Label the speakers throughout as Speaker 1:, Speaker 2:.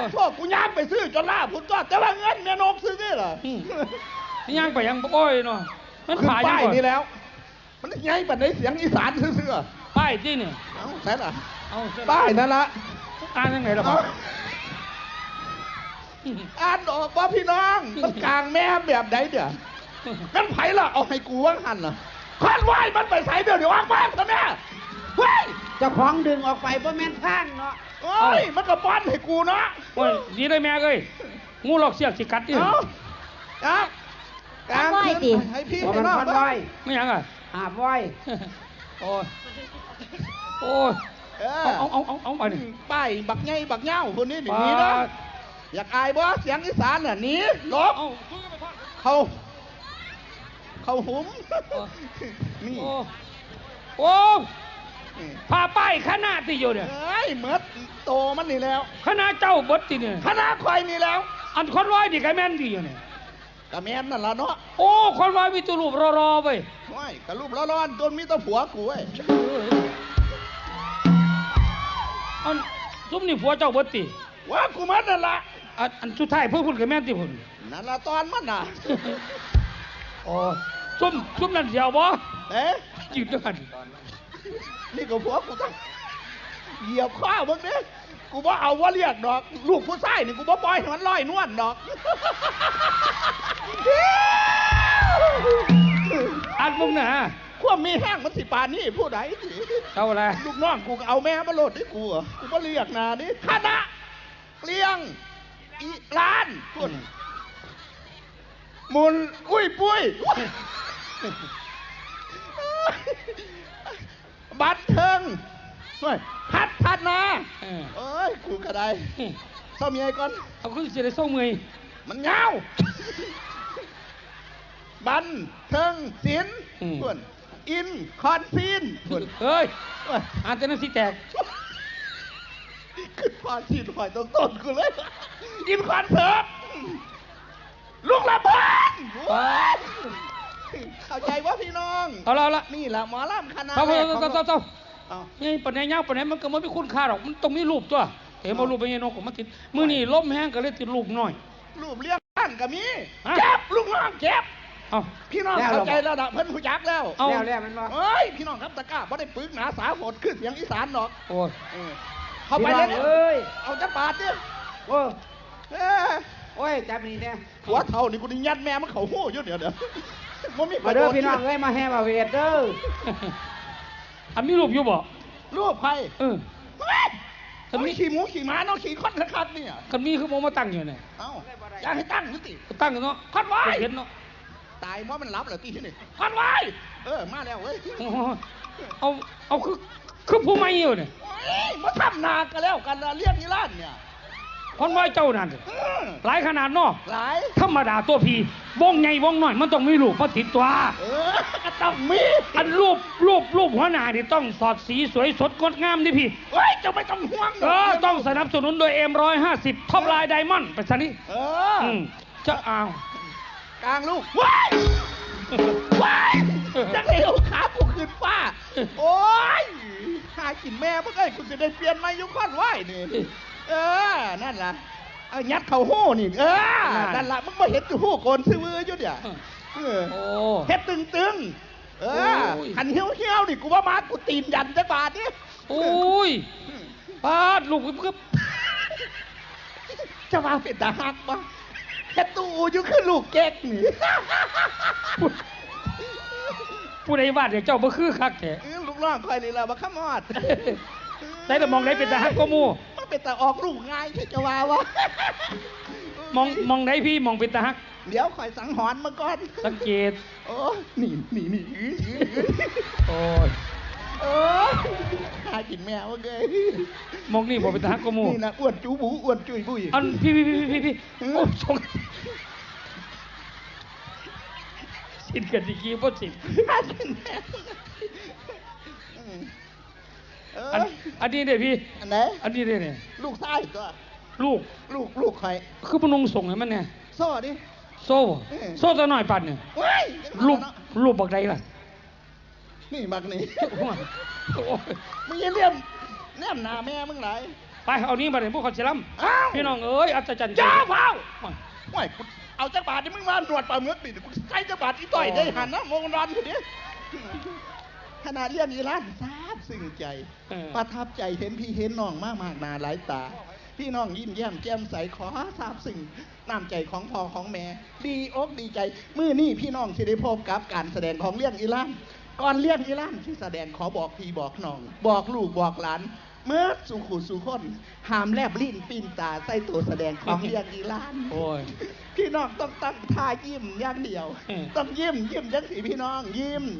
Speaker 1: พวกกูย่างไปซื้อจนล่าพุ่นก็แต่ว่าเงินแม่นกซื้อนี่เหรอ
Speaker 2: นี่ย่างไปยังบ่อยเนาะมัน
Speaker 1: ขึ้นป้าย
Speaker 2: นี่
Speaker 1: นี่แล้วมันไงปัดในเสียงอีสานซื่อ
Speaker 2: ๆป้ายที่นี่
Speaker 1: เอาใช่ล่ะ
Speaker 2: เอา
Speaker 1: ป้ายนั่นละ
Speaker 2: อ่านยังไงล่ะพ่อ
Speaker 1: อ่านออกว่าพี่น้องมันกลางแม่แบบไหนเดี๋ยวงั้นไผ่ละเอาให้กูว่างหันล่ะควันไหวมันไปใส่เดี๋ยวออกมาซะแม่เฮ้ย
Speaker 3: เจ้าของดึงออกไปเพราะแม่นข้างเนาะ
Speaker 1: โอ้ยมันก็ป้อนให้กูเนาะ
Speaker 2: โอ้ยดีเลยแม่เอ้ยงูหลอกเสียกสิกัดดิ
Speaker 1: ครับกลางคืนให้พี่ให้น้อง
Speaker 3: ไว้
Speaker 2: ไม่ยังอ่ะ
Speaker 3: หาบไว้
Speaker 2: โอ้ยโอ้ยเอาไปนี่
Speaker 1: ป้ายบักไงบักเง่าคนนี้หนีนะอยากอายบ่เสียงอีสานน่ะหนีลบเขาหุมนี่
Speaker 2: โอ้พาป้ายคณะที่อยู่เนี่ย
Speaker 1: เอ้ยเมื่อโตมันนี่แล้ว
Speaker 2: คณะเจ้าบดที่เนี่ย
Speaker 1: คณะควายนี่แล้ว
Speaker 2: อันคนร้อยดีไกแม่นดีอยู่เนี่ย
Speaker 1: กะแม่นนั่นละเนาะ
Speaker 2: โอ้คนร้อยมีตัวรูปรอไป
Speaker 1: ว้ายกะรูปร้อนๆจนมีตัวผัวกูเว้ย
Speaker 2: อันซุ่มนี่ผัวเจ้าบดตี
Speaker 1: ว่ากูมันนั่นละ
Speaker 2: อันสุดท้ายเพื่อคุณกับแม่นที่คุณ
Speaker 1: นั่นละตอนมันน่ะ
Speaker 2: โอ้ซุ่มนั่นเดียวบ่
Speaker 1: ยืดด้วยกันนี่ก็ผัวกูต้องเหยียบข้าวมึงเนี่ยกูบ่เอาว่าเรียกดอกลูกผู้ชายนี่กูบ่ปล่อยให้มันลอยนวลดอก
Speaker 2: อันมึงน่ะ
Speaker 1: ความมีแห้งมันสิปานนี่ผู้ใด
Speaker 2: เอาอะไร
Speaker 1: ลูกน้องกูเอาแม่มาโหลดให้กูกูบ่เรียกนานี่คณะเลี้ยงอีร้านคุณมุนอุ้ยปุ้ยบัตรเทิงพัดนาเอ้ยกูกระไดเศร้าเมียก่อน
Speaker 2: เอาขึ้นเสียได้เศร้าเมย
Speaker 1: มันเงาบันเทิงศิลป์คุณอินคอนซีนคุณ
Speaker 2: เฮ้ยอ่านแต่นั้นสิแตก
Speaker 1: ขึ้นพาชีถอยต้นกูเลยอินคอนเสิร์ตลูกละบานเข้าใจว่าพี่น้อง
Speaker 2: เอาละ
Speaker 1: นี่แหละหมอลำคณะ
Speaker 2: เจ้านี่ปัญญาเงาปัญญามันก็ไม่คุ้นค่าหรอกมันต้องมีรูปตัวเห็นมารูปเป็นยังนกของมันติดมือนี่ล้มแห้งก็เลยติดรูปหน่อย
Speaker 1: รูปเลี้ยงบ้านก็มีเจ็บลูกน้องเจ็บพี่น้องเข้าใจแล้วนะเพิ่นผู้ยักแล้ว
Speaker 3: แล้วมันว่า
Speaker 1: เอ้ยพี่น้องครับตะก้าไม่ได้ปึกหนาสาโหดขึ้นเสียงอีสานหรอก
Speaker 2: โอ้ย
Speaker 1: เข้าไปเลยเอาจับบาดเนี่ย
Speaker 3: โอ้ยจับนี่เนี่ย
Speaker 1: หัวเท่านี่กูนี่ยัดแม่มันเขาหู้เยอะเดี๋ยว
Speaker 3: มาเด้อพี่น้องเอ้ยมาแห่มาเวทเด้อ
Speaker 2: อันมีรูปอยู่บ่
Speaker 1: รูปใคร
Speaker 2: คันมี
Speaker 1: ขี่หมูขี่ม้าน้องขี่ค้อนคัดเนี่ย
Speaker 2: คันมีคือโมมาตั้งอยู่เนี่ย
Speaker 1: เอ้าอยากให้ตั้งนิติ
Speaker 2: ตั้งเนาะ
Speaker 1: คัดไว้
Speaker 2: เห็นเนาะ
Speaker 1: ตายเพราะมันรับเหรอตีที่นี่คัดไว้มาแล้วเว้ย
Speaker 2: เอาคือผู้ไม่อยู่เนี่ย
Speaker 1: มาทำนากันแล้วกันเรียกนิรันดร์เนี่ย
Speaker 2: คนว่าเจ้านั่นหลายขนาดเนาะ
Speaker 1: หลาย
Speaker 2: ธรรมดาตัวพีวงใหญ่วงน้อยมันต้องมีรูปมาติดตัว
Speaker 1: ก็ต้องมี
Speaker 2: อันรูปหัวหน้านี่ต้องสอดสีสวยสดงดงามดิพี่
Speaker 1: เฮ้ยจะไม่ต้องห่วง
Speaker 2: ต้องสนับสนุนโดย M150 ท็อปไลน์ไดมอนด์ไปซะนี่จะเอา
Speaker 1: กลางลูกว้ายจะเลี้ยวขากูขึ้นฟ้าโอ้ยหากินแม่เมื่อไงคุณจะได้เปลี่ยนมายุคอนไหวนี่นั่นล่ะยัดเข่าหู้นี่นั่นล่ะมึงไม่เห็นอยู่หู้โกนซื้อมืออยู่เนี่ยเฮ็ดตึงหันเหี้ยวนี่กูว่ามากูตีนยันจะบาดนี่
Speaker 2: โอ้ยบาดลูกกึบ
Speaker 1: จะมาเป็นตาหักปะเฮ็ดตู้อยู่คือลูกแก๊กนี่
Speaker 2: ผู้ใดวาดเดี๋ยวเจ้าบ่คือคักแท้
Speaker 1: ลูกน้องคอยนี่แหละมาขมอด
Speaker 2: ได้แต่มองได้เป็นตาฮักก็มู่
Speaker 1: มันเป็นตาออกลูกง่ายที่จะว่าวะ
Speaker 2: มองได้พี่มองเป็นตาฮัก
Speaker 1: เดี๋ยวคอยสังหรณ์มาก่อน
Speaker 2: สังเกต
Speaker 1: โอ้นี่
Speaker 2: โอ้ย
Speaker 1: หากินแมวเกย
Speaker 2: มองนี่บอกเป็นตาฮักก็มู่
Speaker 1: นี่นะอ้วนจูบูอ้วนจุยบุย
Speaker 2: อันพี่โอ้ชงสินกันดีกี้พ่อสินอันนี้เนี่ยพี่
Speaker 1: อันไหน
Speaker 2: อันนี้เนี่ย
Speaker 1: ลูกชายตัวลูกใคร
Speaker 2: คือพนงส่งให้มันเนี่ย
Speaker 1: โซ่ดิ
Speaker 2: โซ่ตัวหน่อยปัดเนี่ยลูกบักใดล่ะ
Speaker 1: นี่บักนี่มึงยังเลี้ยมแนมหนาแม่มึงไหน
Speaker 2: ไปเอานี้มาเลยพวกเขาเชลัม
Speaker 1: อ้าว
Speaker 2: พี่น้องเอ้ยอัศจรรย์
Speaker 1: จ้าเฝ้าห่วยเอาจักรบาทนี่มึงมาตรวจปลาเมือกดิกูใช้จักรบาทอีต่อยได้หันนะมงรอนคนนี้ขนาดเลี้ยงอีร้านซาบซึ้งใจประทับใจเห็นพี่เห็นน้องมากนาหลายตาพี่น้องยิ้มแย้มแจ่มใสขอซาบซึ้งน้ำใจของพ่อของแม่ดีอกดีใจมื้อนี้พี่น้องสิได้พบกับการแสดงของเลี้ยงอีร้านก่อนเลี้ยงอีร้านที่แสดงขอบอกพี่บอกน้องบอกลูกบอกหลานเมื่อสุขุสุคนหามแลบลิ้นปิ้นตาใส่ตัวแสดงของเลี้ยงอีร้าน
Speaker 2: โอ้ย
Speaker 1: พี่น้องต้องตั้งท่ายิ้มอย่างเดียว ต้องยิ้มจังสิพี่น้องยิ้ม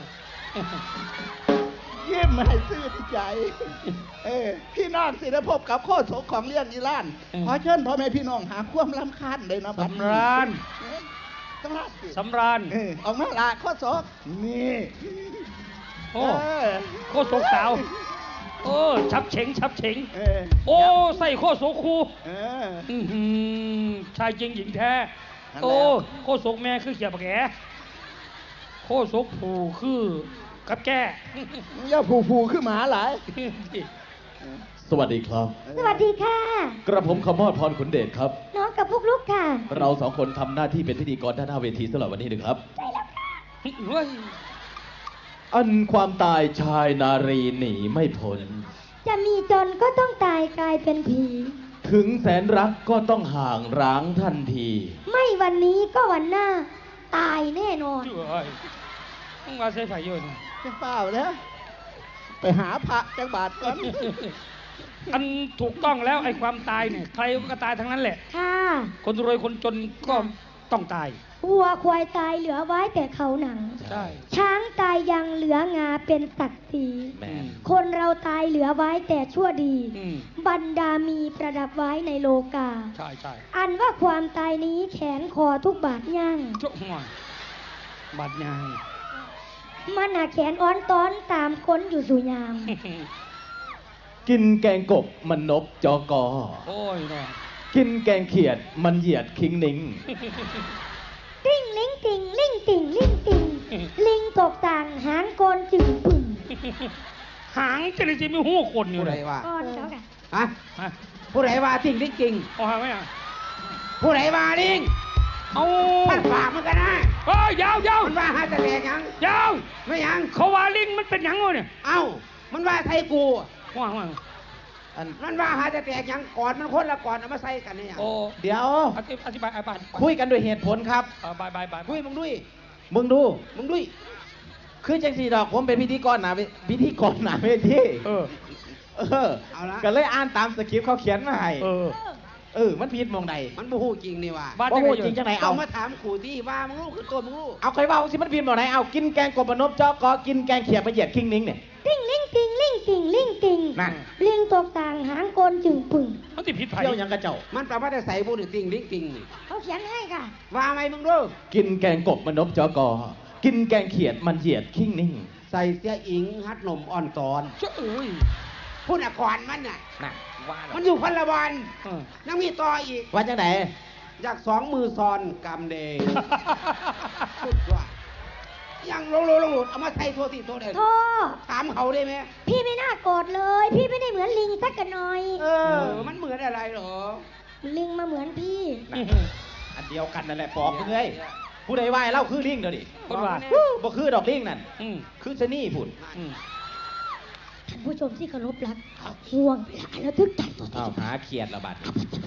Speaker 1: ยิ้มให้ซื่นใจ พี่น้องสิได้พบกับโคศกของเลี้ยงอีร้านขอเชิญพ่อแม่พี่น้องหาความรำคาญเลยนะบัดนี้
Speaker 2: สำราญ
Speaker 1: สำราญสิ
Speaker 2: สำราญ
Speaker 1: ออกมาละโคศกนี่
Speaker 2: โอ้โคตรสาวโอ้ชับเฉงชับเฉง
Speaker 1: เออ
Speaker 2: โอ้ใส่โคตรโสคู
Speaker 1: เออ
Speaker 2: ชายจริงหญิงแท้
Speaker 1: นั่นแหละ
Speaker 2: โอ้โคตรโสกแม่คือเขียบแกโคตรโสกผูคือกับแก่
Speaker 1: อย่าผูขึ้นหมาหลาย
Speaker 4: สวัสดีครับ
Speaker 5: สวัสดีค่ะ
Speaker 4: กระผมขมอดพรขุนเดชครับ
Speaker 5: น้องกับพวกลูกค่ะ
Speaker 4: เราสองคนทำหน้าที่เป็นพิธีกรด้านหน้าเวทีสำหรับวันนี้นะครับ
Speaker 2: เฮ้ย
Speaker 4: อันความตายชายนารีหนีไม่พ้น
Speaker 5: จะมีจนก็ต้องตายกลายเป็นผี
Speaker 4: ถึงแสนรักก็ต้องห่างร้างทันที
Speaker 5: ไม่วันนี้ก็วันหน้า ตายแน่นอน
Speaker 2: เฮ้ยมึงมาใส่ไฟเยอะนี่
Speaker 1: จะเปล่าแล้วไปหาพระจักบาทก่อน
Speaker 2: อันถูกต้องแล้วไอ้ความตายเนี่ยใครก็ตายทั้งนั้นแหละ
Speaker 5: ค่ะ
Speaker 2: คนรวยคนจนก็ต้องตาย
Speaker 5: วัวควายตายเหลือไว้แต่เขาหนัง
Speaker 2: ใช่
Speaker 5: ช้างตายยังเหลืองาเป็นศักดิ์ศรี
Speaker 4: แม่
Speaker 5: คนเราตายเหลือไว้แต่ชั่วดี
Speaker 2: อืม
Speaker 5: บรรดามีประดับไว้ในโลกา
Speaker 2: ใช่ใช่
Speaker 5: อันว่าความตายนี้แขนคอทุกบาทย่าง
Speaker 2: โจ้หัวบาดยาง
Speaker 5: มันหาแขนอ้อนต้อนตามค้นอยู่สุยาม
Speaker 4: กินแกงกบมันนบจอกอ
Speaker 2: โอ้ยเนาะ
Speaker 4: กินแกงเขียดมันเหยียดคิงนิง
Speaker 5: ติ้งลิงติงลิงติงลิงติงลิงตกต่างหางโกนจึงปึ่ง
Speaker 2: หางจะเลยจะมีหูคนอยู่
Speaker 3: ผู้
Speaker 2: เล
Speaker 3: ใด
Speaker 2: ย
Speaker 3: ว่า
Speaker 5: ก้อนเขาค่ะ
Speaker 3: ฮะ
Speaker 2: ฮะ
Speaker 3: ผู้ใดว่าจริงลิงจริง
Speaker 2: เอาหางไหมอ่ะ
Speaker 3: ผู้ใดว่าลิง
Speaker 2: เอา
Speaker 3: มันฝากมันกันนะ
Speaker 2: เอ้ยยาวยาว
Speaker 3: มันว่าหาแต่แดกยัง
Speaker 2: ยาว
Speaker 3: ไม่ยัง
Speaker 2: เขาว่าลิงมันเป็นหยังวะเนี่ย
Speaker 3: เอ้ามันว่าไทยกู
Speaker 2: ว่าว่า
Speaker 3: อันมันว่าหาแต่แดกยังก่อนมันคนละก่อนเอามาใส่กันเนี่ย
Speaker 2: โอ้
Speaker 3: เดี๋ยว
Speaker 2: อธิบายอธิบาย
Speaker 3: คุยกันด้วยเหตุผลครับ
Speaker 2: บายบายบาย
Speaker 3: คุยมึงด้วยมึงดูมึงด้วยคือจังสีดอกผมเป็นพิธีกรหนาพิธีกรหนาเวที
Speaker 2: เออ
Speaker 3: เอาละก็เลยอ่านตามสคริปต์เขาเขียนมาให้
Speaker 2: เออ
Speaker 3: มันผิดมองใดมันบ่ฮู้จริงนี่ว่า
Speaker 2: บ้าน
Speaker 3: บ่
Speaker 2: จังไง
Speaker 3: ฮู้
Speaker 2: อยู่
Speaker 3: จริงจังไหนเอามาถามขู่ที่ว่ามึงรู้คือตัวมึงรู้เอาใครว่าสิมันผิดมองไหนเอากินแกงกบมนบจอกอกินแกงเขียดมาเหยียดคิงนิงเนี่ย
Speaker 5: ติ้งลิงติงลิงติงลิงติง
Speaker 3: นั่น
Speaker 5: ลิงตกต่างหางโกนจึงปึ่ง
Speaker 2: มันติดผิดไผ่
Speaker 3: เที่ยวยังกระเจ้ามันแปลว่าได้ใส่บุญติงลิงติงนี่
Speaker 5: เขาเขียนให้ค่ะ
Speaker 3: ว่าไหมมึงรู้
Speaker 4: กินแกงกบมันนบจอกอ กินแกงเขียดมันเหยียดคิงนิง
Speaker 3: ใส่เสียอิงฮัดนมอ่อนตอน
Speaker 2: เจ้าเอ้ย
Speaker 3: พุ่นอ่ะก่อนมันน่ะ
Speaker 4: น่ะว่าแล้ว
Speaker 3: มันอยู่พันละวัน
Speaker 2: เออ
Speaker 3: ยังมีต่ออีก
Speaker 4: ว่าจังไหน
Speaker 3: อยากสองมือซอนกำเดย์สุดว่ายังลงเอามาใส่โทษทีโทษเด่น
Speaker 5: โทษ
Speaker 3: ถามเขาได้ไหม
Speaker 5: พี่ไม่น่าโกรธเลย พี่ไม่ได้เหมือนลิงสักกันหน่อย
Speaker 3: มันเหมือนอะไรเหรอ
Speaker 5: ลิงมาเหมือนพี่
Speaker 4: อันเดียวกันนั่นแหละปอบมึงเอ้ยผู้ใดว่าให้เล่าคือลิงเดี๋ยวดิ
Speaker 2: คนว่า
Speaker 4: บ่คือดอกลิงนั่น
Speaker 2: อืม
Speaker 4: คือชะนี่พุ่น
Speaker 2: อืม
Speaker 5: ท่านผู้ชมที่เคารพรักห่วงเวลาแล้วทึกใจตัว
Speaker 4: อ้าวหาเขียดละบัด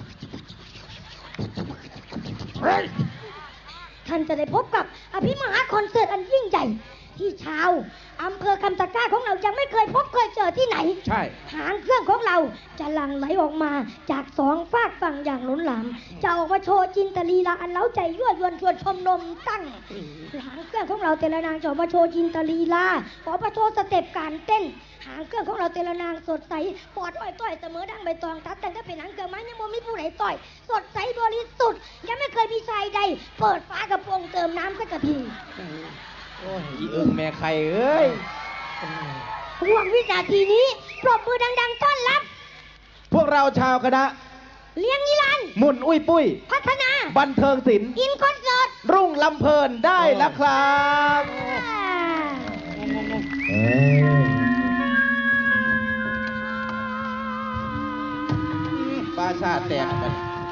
Speaker 5: ท่านจะได้พบกับอภิมหาคอนเสิร์ตอันยิ่งใหญ่ ที่ชาวอำเภอคำตะกร้าของเรายังไม่เคยพบเคยเจอที่ไหน
Speaker 3: ใช่
Speaker 5: หางเครื่องของเราจะหลั่งไหลออกมาจากสองฝากฝั่งอย่างล้นหลามจะออกมาโชว์จินตลีลาอันเล้าใจยั่วยวนชวนชมนมตั้งหางเครื่องของเราแต่ละนางจะออกมาโชว์จินตลีลาออกมาโชว์สเต็ปการเต้น หางเครื่องของเราแต่ละนางสดใสปอดอ้อยต้อยเสมอดังใบตองทัดแต่งก็เป็นหางเครื่องไม้ยังบ่มีผู้ไหนต่อย สดใสบริสุทธิ์ยังไม่เคยมีชายใด เปิดฝากระโปรงเติมน้ำสักกะพี
Speaker 4: โอ้ยอีอึงแม่ไข่เอ้ย
Speaker 5: ห่วงวินาทีนี้ปรบมือดังๆต้อนรับ
Speaker 4: พวกเราชาวคณะ
Speaker 5: เลี้ยงนิรันดร์
Speaker 4: มุนอุ้ยปุ้ย
Speaker 5: พัฒนา
Speaker 4: บันเทิงศิลป์
Speaker 5: อินคอนเสิร์ต
Speaker 4: รุ่งลำเพลินได้แล้วครับ
Speaker 2: งง
Speaker 1: ปลาชาแตกไป